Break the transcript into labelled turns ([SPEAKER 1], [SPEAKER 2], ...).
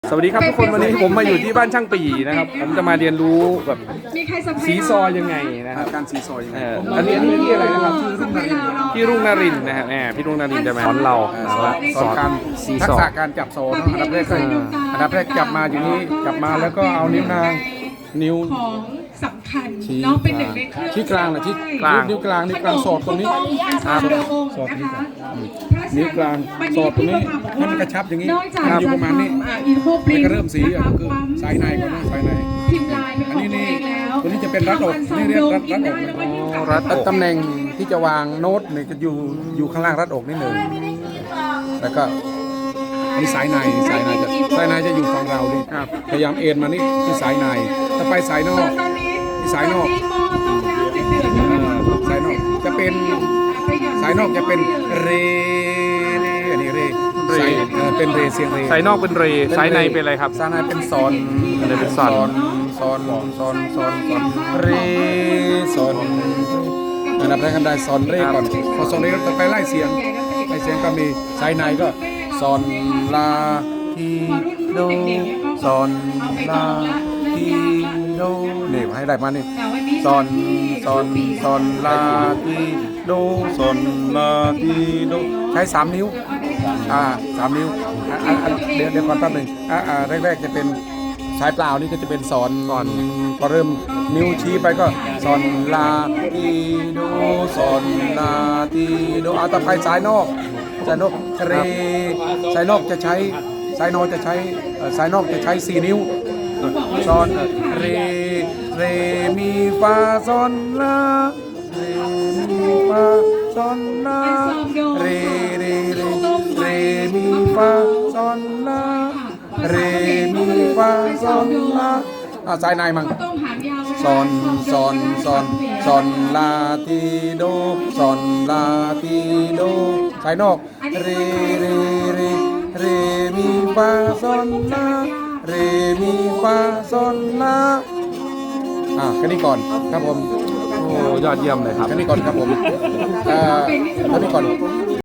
[SPEAKER 1] สวัสดีครับทุกคนวันนี้ผมมาอยู่ที่บ้านช่างปีนะครับผมจะมาเรียนรู้แบบสีซอยยังไงนะครับ
[SPEAKER 2] การสีซอยยังไง
[SPEAKER 1] อันนี้ที่อะไรนะครับพี่รุ่งนรินทร์นะครับพี่รุ่งนรินทร์จะมาสอนเรา
[SPEAKER 2] สอนการ
[SPEAKER 1] สี
[SPEAKER 2] ทั
[SPEAKER 1] ซ
[SPEAKER 2] ก
[SPEAKER 1] อ
[SPEAKER 2] ษะ
[SPEAKER 1] ย
[SPEAKER 2] การจับโซ่อันดับแรกจับมาอย่างนี้จับมาแล้วก็เอานิ้วนางนิ้ว
[SPEAKER 3] ของสำคัญน้องเป็นหนึ่งในเครื่อง
[SPEAKER 2] ชี้กลางนะชี้นิ้วกลางนิ้วกลางสอดตรงนี้
[SPEAKER 3] สอดนี้ค่ะ
[SPEAKER 2] นิ้วกลางสอดตรงนี้ให้มันกระชับอย่างนี้อยู่ประมาณนี้
[SPEAKER 3] อินโฟปริ
[SPEAKER 2] แล้ว
[SPEAKER 3] น
[SPEAKER 2] ก็เริ่มสีก็คือสายในก่อนนะสายใน
[SPEAKER 3] พิมพ์ลายเป็นของตัวเองแล้ว
[SPEAKER 2] ตัวนี้จะเป็นรัดอกนี่เรียกรัดอกตำแหน่งที่จะวางโน้ตเนี่ยจะอยู่ข้างล่างรัดอกนิดหนึ่งแล้วก็อันนี้สายในจะอยู่ฝั่งเราดิพยายามเอ็นมานี่ที่สายในถ้าไปสายนอก
[SPEAKER 3] ตอนนี้
[SPEAKER 2] สายนอก สายนอกจะเป็นสายนอกจะเป็นเรอันนี้เรเป็นเรเสียงเร
[SPEAKER 1] สายนอกเป็นเรสายในเป็นอะไรครับ
[SPEAKER 2] สายในเป็นซอน
[SPEAKER 1] เป็นซอน
[SPEAKER 2] เรซอนอันดับแรกกันได้ซอนเรก่อนพอซอนเรก็ไปไล่เสียงก็มีสายในก็ซอนลาทีโดซอนลาทีโดนี่ให้ได้มานี่ซอนลาทีโดซอนลาทีโดใช้3 นิ้ว3 นิ้วเดี๋ยวก่อนแป๊บหนึ่งแรกๆจะเป็นสายเปล่านี่ก็จะเป็นซอนพอเริ่มนิ้วชี้ไปก็ซอนลาทีโดซอนลาทีโดต่อไปสายนอกเรสายนอกจะใช้สายนอกจะใช้4 นิ้วซอนเรมีฟาซอนลาเรมีฟาซอนลาเรมีฟาซอนลาเรมีฟาซอนลาสายในมั่งซอนลาทีโดซอนลาทีโดสายนอกเรมีฟาซอนลาเรมีฟาซอนลาแค่นี้ก่อนครับผม
[SPEAKER 1] โอ้ยอดเยี่ยมเลยครับ
[SPEAKER 2] แค่นี้ก่อนครับผมแค่นี้ก่อน